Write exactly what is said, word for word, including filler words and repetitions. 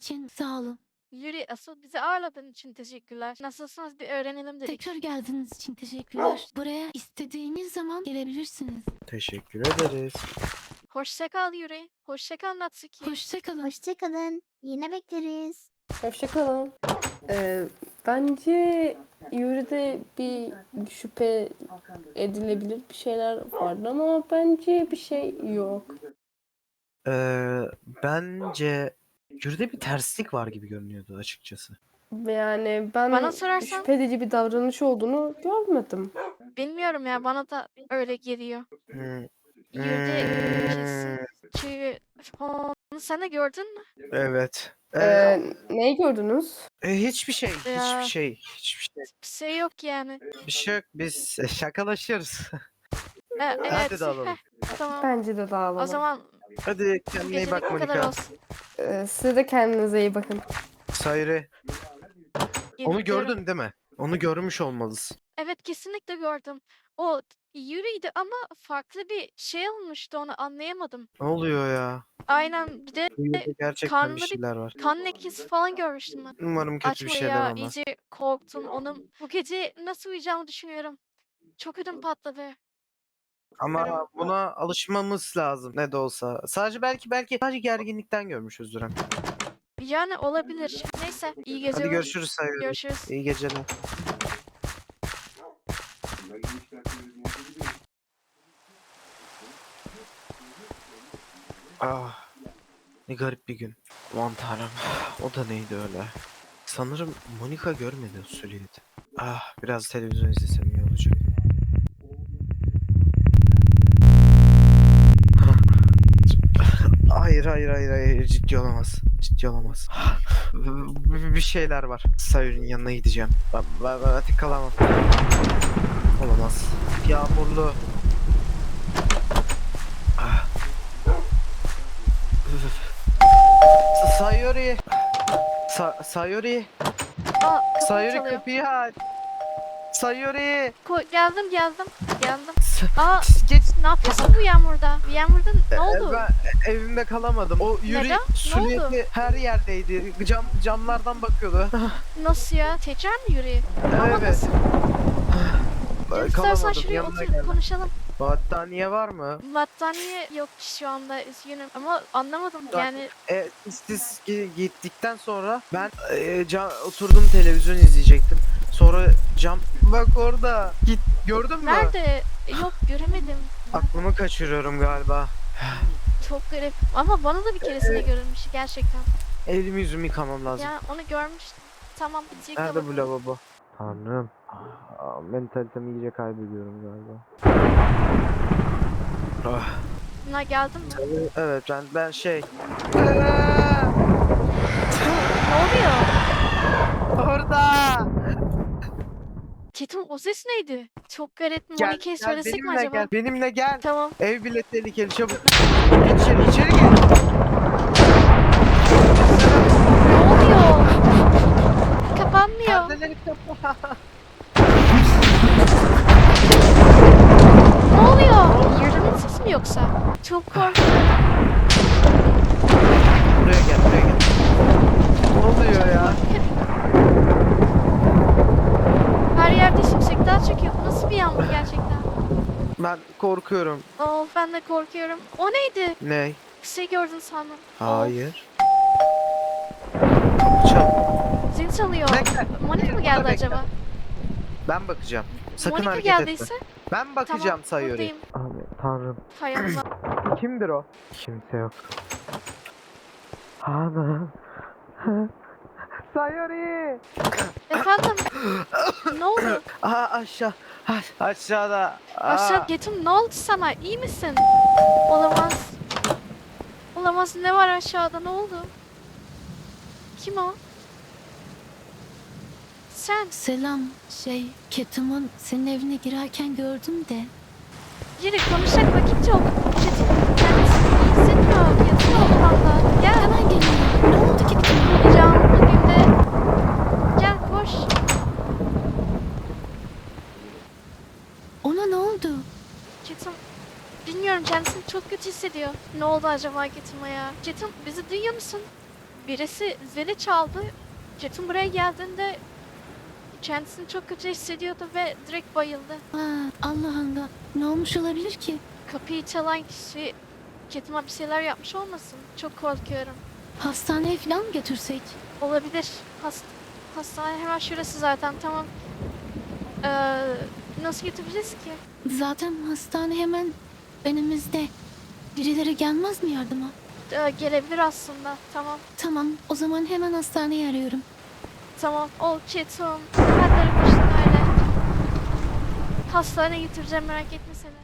için sağ olun. Yuri, asıl bizi ağırladığın için teşekkürler. Nasılsınız bir öğrenelim dedik. Tekrar geldiğiniz için teşekkürler. Buraya istediğiniz zaman gelebilirsiniz. Teşekkür ederiz. Hoşça kal Yuri. Hoşça kal Natsuki. Hoşçakalın. Hoşçakalın. Yine bekleriz. Hoşçakalın. Ee, bence Yuri'de bir şüphe edilebilir bir şeyler vardı ama bence bir şey yok. Ee, bence Yürüde bir terslik var gibi görünüyordu açıkçası. Yani ben Bana sorarsan- şüphe edici bir davranış olduğunu görmedim. Bilmiyorum ya, bana da öyle geliyor. Hmm. Yuri Hmm, kesin. Çünkü onu sen de gördün mü? Evet. Ee, Ee, neyi gördünüz? e, hiçbir şey, Ya. hiçbir şey, hiçbir şey. Bir şey yok yani. Bir şey yok. Biz e, şakalaşıyoruz. E, evet. Hadi dağılalım. Heh, tamam. Bence de dağılalım. O zaman Hadi bu kendine iyi gecelik bak bu kadar Monika. olsun. Ee, siz de kendinize iyi bakın. Sayri. Onu Geliyorum. gördün değil mi? Onu görmüş olmalısın. Evet, kesinlikle gördüm. O Yuri'ydi ama farklı bir şey olmuştu, onu anlayamadım. Ne oluyor ya? Aynen, bir de Bu yürüde gerçekten karnında bir bir şeyler var. kan lekesi falan görmüştüm ben. Umarım kötü Açma bir şeyler ya, olmaz. iyice korktum. Onun bu gece nasıl uyuyacağımı düşünüyorum. Çok ödüm patladı. Ama buna alışmamız lazım ne de olsa. Sadece belki belki sadece gerginlikten görmüşüzdür. hem. Yani olabilir. Neyse, iyi geceler. Hadi görüşürüz Sayri. Görüşürüz. İyi geceler. Ah, ne garip bir gün. Aman tanrım. O da neydi öyle? Sanırım Monika görmedi o söyledi. Ah, biraz televizyon izlesem iyi olacak. Hayır hayır hayır hayır ciddi olamaz. Ciddi olamaz. Bir bir şeyler var. Sayır'ın yanına gideceğim. Ben, ben, ben artık kalamam. Olamaz. Yağmurlu. Ah. Üf. Sa- Sayori. Sa Sayori. Aa, kapı Sayori çalıyor. kapıyı aç. Sayori. Ko- geldim geldim. Geldim. Sa- Aa, Geç. ne yapıyorsun bu yağmurda? Bu yağmurda ne oldu? Ben evimde kalamadım. O Yuri Neden? Ne oldu? sürekli her yerdeydi. Cam camlardan bakıyordu. Nasıl ya? Tekrar mı Yuri? Ama Evet. nasıl? Gel istersen Kalamadım. şuraya Yanına otur geldim. konuşalım. Battaniye var mı? Battaniye yok şu anda, üzgünüm ama anlamadım Bak- yani. E, siz gi- gittikten sonra ben e, cam, oturdum televizyon izleyecektim. Sonra cam bak orada. Git gördün mü? Nerede? Yok, göremedim. Aklımı kaçırıyorum galiba. Çok garip ama bana da bir keresinde Evet. görülmüş gerçekten. Elimi yüzümü yıkamam lazım. Ya onu görmüştüm. Tamam, bir yıka Nerede bu bakalım. lavabo? Tanrım. Aa, mentalitemi iyice kaybediyorum galiba. Ah, Buna geldin mi? evet ben ben şey. Ne oluyor? Orada. Ketum, o ses neydi? Çok garip. Gel, Monika'ya gel söylesek mi benimle acaba? gel. Benimle gel. Tamam. Ev bile tehlikeli çabuk. Geç içeri, içeri gel. Ne oluyor? Kapanmıyor. Perdeleri kapa. Ne oluyor? Yerinin sesi mi yoksa? Çok korktum. Buraya gel, buraya gel. Ne oluyor ya? Her yerde şimşekler çekiyor. Bu nasıl bir yağmur gerçekten? Ben korkuyorum. Oh, ben de korkuyorum. O neydi? Ne? Bir şey gördün sandım. Hayır. Çal. Zil çalıyor. Bekle. Monika mı Burada geldi bekle. acaba? Ben bakacağım. Sakın Monika hareket etme. geldiyse Ben bakacağım tamam, Sayori. buradayım. Aman tanrım. Hay Allah. Kimdir o? Kimse yok. Ana. Sayori. Efendim? Ne oldu? Aa aşağı. Ha, aşağıda. Aa. Aşağı Ketum, ne oldu sana? İyi misin? Olamaz. Olamaz, ne var aşağıda, ne oldu? Kim o? Sen. Selam. Şey, Ketum'un senin evine girerken gördüm de. Yürü, konuşacak vakit yok. Ketum kendisi iyi hissetmiyor. Yatıyor odamda. Gel. Hemen geliyorum. Ne oldu Ketum? Uyuyacağım bugün de. Gel koş. Ona ne oldu? Ketum. Bilmiyorum, kendisini çok kötü hissediyor. Ne oldu acaba Ketum'a ya? Ketum, bizi duyuyor musun? birisi zili çaldı. Jet'in buraya geldiğinde kendisini çok kötü hissediyordu ve direkt bayıldı. Aa, Allah Allah. Ne olmuş olabilir ki? Kapıyı çalan kişi Jet'ime bir şeyler yapmış olmasın? Çok korkuyorum. Hastaneye falan mı götürsek? Olabilir. Hast hastane hemen şurası zaten, tamam. Ee, nasıl götüreceğiz ki? Zaten hastane hemen önümüzde. Birileri gelmez mi yardıma? Ee, gelebilir aslında. Tamam. Tamam, o zaman hemen hastaneyi arıyorum. Tamam. Ol Jet'im. Ben de aramıştım öyle. Hastaneye götüreceğim, merak etme sen.